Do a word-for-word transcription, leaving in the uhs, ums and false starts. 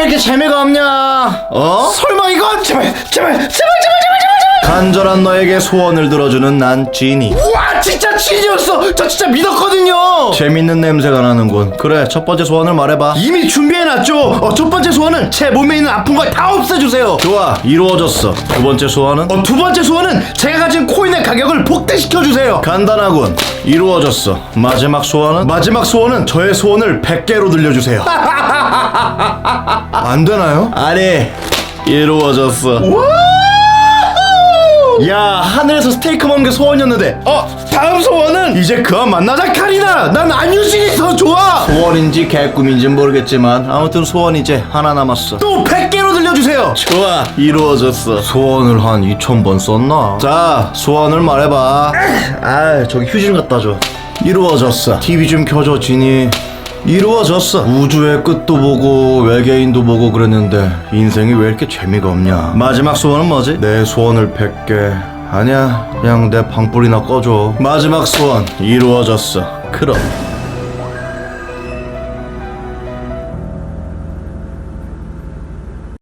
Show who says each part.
Speaker 1: 이렇게 재미가 없냐? 어? 설마 이건? 제발 제발 제발 제발 제발 제발. 간절한 너에게 소원을 들어주는 난 지니. 우와, 진짜 지니였어. 저 진짜 믿었거든요. 재밌는 냄새가 나는군. 그래, 첫 번째 소원을 말해봐. 이미 준비해놨죠. 어, 첫 번째 소원은 제 몸에 있는 아픈 걸 다 없애주세요. 좋아, 이루어졌어. 두 번째 소원은? 어, 두 번째 소원은 제가 가진 코인의 가격을 복대시켜주세요. 간단하군. 이루어졌어. 마지막 소원은? 마지막 소원은 저의 소원을 백 개로 늘려주세요. 안 되나요? 아니, 이루어졌어. 야, 하늘에서 스테이크 먹는 게 소원이었는데. 어, 다음 소원은 이제 그만 만나자 카리나. 난 안유진이 더 좋아. 소원인지 개꿈인지 모르겠지만 아무튼 소원 이제 하나 남았어. 또 백 개로 늘려주세요. 좋아, 이루어졌어. 소원을 한 이천 번 썼나? 자, 소원을 말해봐. 아, 저기 휴지 좀 갖다 줘. 이루어졌어. 티비 좀 켜줘, 지니. 이루어졌어. 우주의 끝도 보고 외계인도 보고 그랬는데 인생이 왜 이렇게 재미가 없냐. 마지막 소원은 뭐지? 내 소원을 백 개. 아니야, 그냥 내 방불이나 꺼줘. 마지막 소원 이루어졌어. 그럼